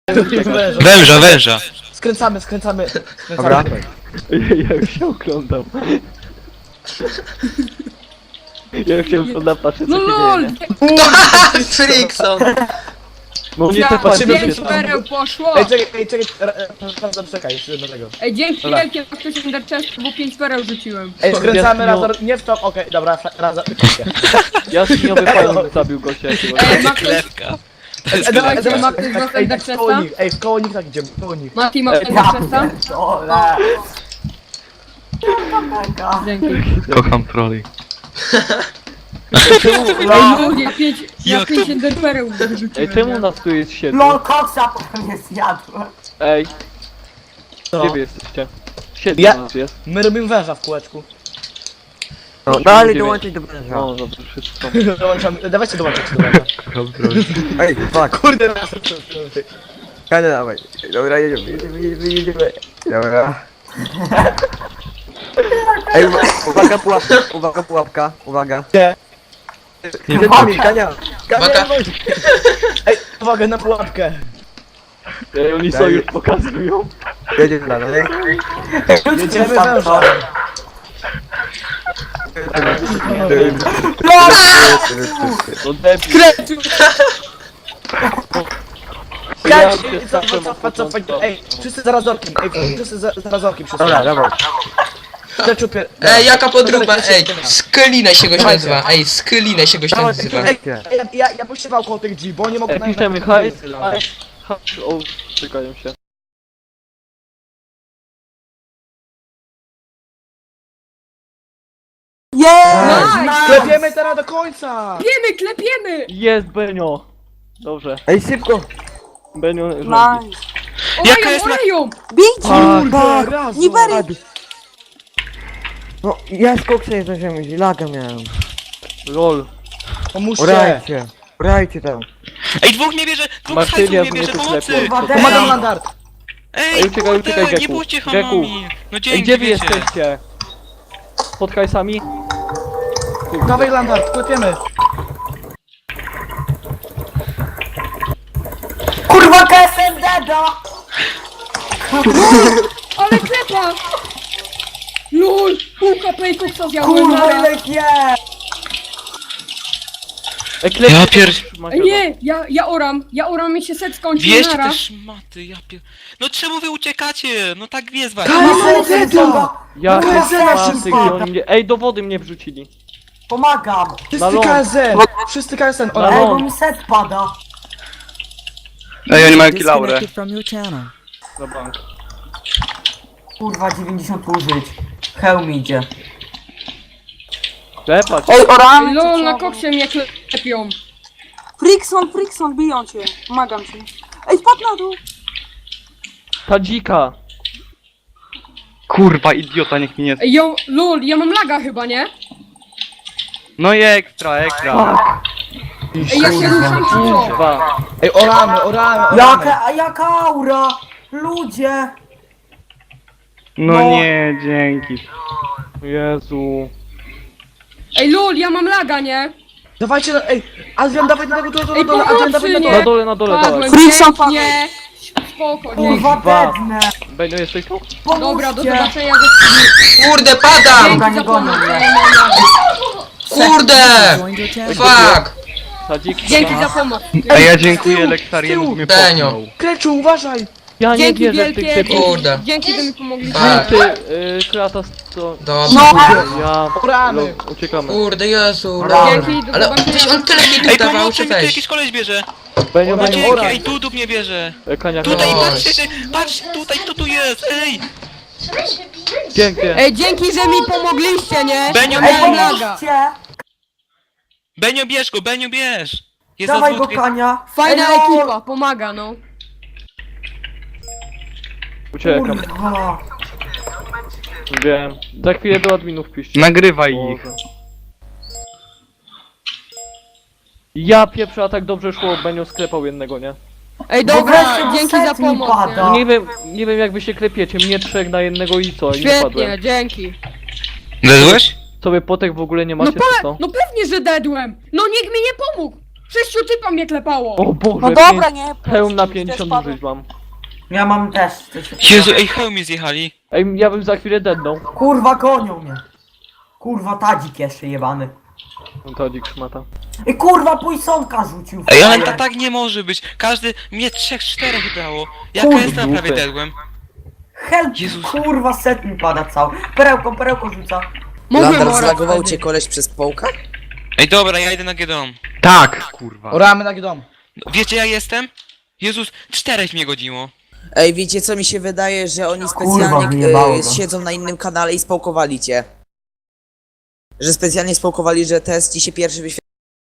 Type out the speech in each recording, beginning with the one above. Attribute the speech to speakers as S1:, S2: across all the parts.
S1: Węża, węża.
S2: Skręcamy.
S3: Dobra.
S4: Ja już się oglądam. Ja już się oglądam, patrzę co
S5: No
S4: się
S5: lol!
S4: dzieje.
S6: Frickson!
S4: No nie
S5: Ja,
S4: te patrzę,
S2: patrzymy,
S5: pięć
S4: się
S5: pereł poszło!
S2: Czekaj, jeszcze jednego.
S5: Ej, dzięki
S2: Dobra.
S5: wielkie, jak ktoś Ender Chest, bo 5 pereł rzuciłem.
S2: Ej, skręcamy
S4: Ja-
S2: razem, nie w to, okej, dobra, razem.
S4: Jaskiniowy pająk zabił gościa jakiegoś.
S5: Ej, ma ktoś,
S1: Klewka.
S5: dawajcie, ma ktoś z was Ender
S2: w koło
S5: Chesta?
S2: nich, ej, w koło nich tak idziemy, w koło nich.
S5: Mati, ma Ender Chesta?
S3: Ole.
S5: Dzięki.
S1: Kocham troli.
S5: Ej, ludzie, ja
S1: Jak
S5: 5 Ender pereł wyrzuciłem.
S4: Ej, czemu
S5: nie?
S4: nas tu jest 7?
S3: LOL koksa potem nie zjadłem.
S4: Ej,
S2: Co?
S4: gdzie wy jesteście? 7
S2: Ja-
S4: nas jest.
S2: My robimy węża w kółeczku.
S3: No dalej dołączyć do węża.
S4: No dobrze, wszyscy są.
S2: Dołączamy, dawajcie dołączyć do węża.
S1: Kocham troli.
S3: Ej, fuck.
S2: Kurde, raz.
S3: Kadę dawaj. Dobra, jedziemy. Dobra. Ej, uwaga pułapka, uwaga.
S2: Gdzie?
S3: Kania.
S6: Uwaga.
S2: Ej, uwaga na pułapkę.
S4: Ej, oni są już pokazują.
S3: Jedziemy dalej.
S2: Jedziemy węża.
S4: No debil.
S2: Cofać, ej, wszyscy zaraz orkiem, ej, wszyscy zaraz orkiem,
S3: Dobra, dawaj.
S2: Przeczupie.
S6: Ej, jaka podróba, ej! Skylinę się goś nazywa, ej, Skylinę się goś nazywa.
S2: Ej, ja puściwał koło tych drzwi, bo nie mogę
S4: Ej, piszemy hajs. O, czekają się.
S5: Nice!
S2: Klepiemy teraz do końca!
S5: Klepiemy!
S4: Jest Benio. Dobrze.
S3: Ej, szybko.
S4: Benio rządzi.
S1: Jaka jest
S5: Oleją!
S2: Kurde, razu!
S3: No, ja z koksem jestem ziemi, laga miałem.
S4: LOL.
S2: Pomóżcie!
S3: Urajcie tam.
S1: Ej, dwóch nie bierze, dwóch
S4: Martynia
S1: hajsów nie bierze
S4: mnie tu
S1: pomocy!
S4: klepie.
S2: Pomagam Landart!
S1: Ej,
S4: Ej, uciekaj,
S1: kurde,
S4: uciekaj,
S1: nie
S4: Geku.
S1: bójcie
S4: Geku.
S1: hamami! No
S4: Ej,
S1: dzięki,
S4: gdzie wy
S1: wiecie.
S4: jesteście? Pod hajsami?
S2: Dawaj Landart, klepiemy!
S3: Kurwa, KSM deda!
S5: Ale klepa! LOL! Pół HP i koksa zjadłem,
S3: Kurwa,
S5: nara.
S3: ile ich jest!
S4: Ej, klepie.
S1: Ja pier...
S5: Ej, nie! Ja oram mi się set skończył,
S1: Wieście
S5: nara.
S1: te szmaty, ja pier... No czemu wy uciekacie? No tak jest właśnie.
S3: KSM deda!
S4: Ja
S3: KSM
S4: szmaty,
S3: wszystko!
S4: gdzie oni mnie... Ej, do wody mnie wrzucili.
S3: Pomagam!
S4: Na
S2: Wszyscy
S4: ląd.
S2: KSN! Wszyscy KSN!
S4: Na
S3: Ej, bo
S4: ląd.
S3: mi set pada!
S1: Ej, oni mają kilaurę.
S4: Na bank.
S3: Kurwa, 90 użyć. Hełm idzie.
S4: Klepać.
S3: Ej, oramy!
S5: Ej, LOL, na koksie mnie klepią.
S7: Frickson, biją cię. Pomagam ci. Ej, spadł na dół.
S4: Ta dzika.
S1: Kurwa, idiota, niech mi nie...
S5: Ej, LOL, ja mam laga chyba, nie?
S1: No i ekstra.
S5: Ej, ja się ruszam, czy co?
S4: Dwa.
S2: Ej, oramy!
S3: Jaka aura! Ludzie!
S1: No nie, dzięki.
S4: Jezu.
S5: Ej, LOL, ja mam laga, nie?
S2: Dawajcie, ej! Adrian, dawaj na tego dole,
S5: Ej,
S2: Adrian, dawaj na
S5: pomocy,
S2: dole!
S5: nie?
S4: Na dole,
S5: Padłem,
S7: Frickson,
S5: nie. Spoko, nie.
S3: Kurwa,
S4: Dwa.
S3: dedne!
S4: Benio, jesteś tu?
S5: Dobra, do
S3: Pomóżcie!
S5: zobaczenia za
S6: Kurde, padam!
S5: Dzięki za pomoc.
S6: Kurde! Fuck!
S4: Ta dzika.
S5: Dzięki za pomoc.
S1: A ja dziękuję Lektariemu, bo mnie
S6: Benio.
S1: popchnął.
S2: Kreczu, uważaj!
S4: Ja nie
S5: Dzięki
S4: wierzę w tych
S5: wielkie.
S4: typów.
S6: Kurde.
S5: Dzięki, że mi pomogliście.
S6: Tak.
S4: Ty, Kratos, to...
S6: Dobra.
S4: Ja...
S2: Oramy!
S4: Uciekamy.
S6: Kurde, Jezu,
S5: Dzięki, do
S6: Ale
S5: zobaczenia.
S6: coś on tyle mi tu
S1: Ej,
S6: dawał,
S1: pomocy,
S6: czy
S1: mi tu
S6: weź?
S1: jakiś koleś bierze.
S4: Benio,
S1: No
S2: Oraj,
S4: Benio.
S1: dzięki,
S2: oraj.
S1: ej, tu mnie bierze.
S4: Kania,
S1: Tutaj,
S6: Oj.
S1: patrz, tutaj, kto tu jest, ej!
S4: Pięknie.
S5: Ej, dzięki, że mi pomogliście, nie?
S1: Benio,
S5: Ja miałem
S1: Benio.
S5: laga.
S1: Benio, bierz go, Benio, bierz! Jest
S3: Dawaj
S1: na
S3: go,
S1: dwóch...
S3: Kania!
S5: Fajna
S3: Ej, no.
S5: ekipa, pomaga, no.
S4: Uciekam.
S3: Kurwa!
S4: Wiem. Za chwilę do adminów piszcie.
S1: Nagrywaj ich.
S4: Boże. Ja pieprzę, a tak dobrze szło, Benio sklepał jednego, nie?
S5: Ej,
S3: Bo
S5: dobra,
S3: wreszcie
S5: dzięki
S3: set
S5: za
S3: mi
S5: pomoc,
S3: pada.
S5: nie?
S4: Nie wiem jak wy się klepiecie, mnie 3 na jednego i co? I nie padłem.
S5: Świetnie, dzięki.
S1: Zezłeś?
S4: Sobie potek w ogóle nie
S5: No,
S4: macie, czy co?
S5: no pewnie, że dedłem. No nikt mi nie pomógł. 6 typa mnie klepało.
S4: O Boże,
S7: No dobra, nie.
S4: Hełm na
S7: też
S4: 50
S7: padłem.
S4: użyć mam.
S3: Ja mam też coś.
S1: Jezu, ej, hełmi zjechali.
S4: Ej, ja bym za chwilę deadnął.
S3: Kurwa, gonią mnie. Kurwa, tadzik jeszcze jebany.
S4: No to dzik szmata.
S3: I kurwa, pójsonka rzucił.
S1: Ej, ale to tak nie może być. Każdy, mnie 3-4 dało. Jaka
S3: Kurde,
S1: jest na prawie
S4: dupy.
S1: dedłem?
S3: Help,
S1: Jezus.
S3: kurwa, set mi pada cały. Perełką rzuca.
S5: Mogłem
S2: Landar
S5: orać
S2: zlagował
S5: wtedy.
S2: cię koleś przez połka?
S1: Ej, dobra, ja idę na Gedon.
S8: Tak, kurwa.
S2: Oramy na dom.
S1: Wiecie, ja jestem? Jezus, 4 mnie godziło.
S2: Ej, wiecie co mi się wydaje, że oni
S3: Kurwa,
S2: specjalnie
S3: wyjebało go.
S2: siedzą na innym kanale i spałkowali cię. Że specjalnie spałkowali, że test ci się pierwszy wyświetla.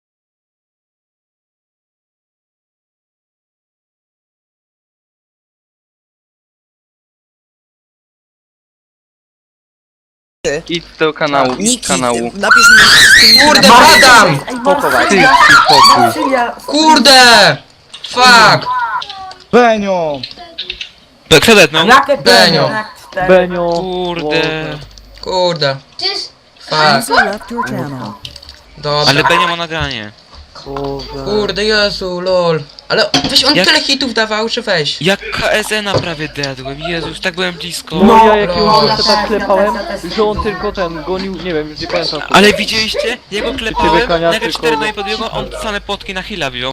S9: Idź do kanału, idź
S2: Niki,
S9: z kanału.
S2: napisz mi wszystkim
S6: Kurde,
S2: na-
S6: padam!
S3: Ej,
S2: Spokojnie.
S8: Ty, spokój.
S3: Marsylia,
S6: Kurde! Fuck!
S2: Benio!
S1: Kto dednął?
S3: Jakie
S6: Benio.
S3: penio? Jak 4.
S4: Benio.
S1: Kurde.
S6: Kurde. Fuck. Dobra.
S1: Ale Benio ma nagranie.
S4: Boże.
S6: Kurde, Jezu, lol. Ale weź on
S1: Jak-
S6: tyle hitów dawał, czy weź?
S1: Jak KSN-a prawie dedłem. Jezus, tak byłem blisko.
S4: No ja jakiegoś
S6: no,
S4: gościa tak
S3: ja
S4: klepałem,
S3: też.
S4: że on tylko ten gonił, nie wiem, już nie pamiętam.
S1: Ale widzieliście? Jego klepałem,
S4: kania,
S1: nagle
S4: tylko-
S1: 4 do mnie podbiegło, on same potki na heal'a wziął.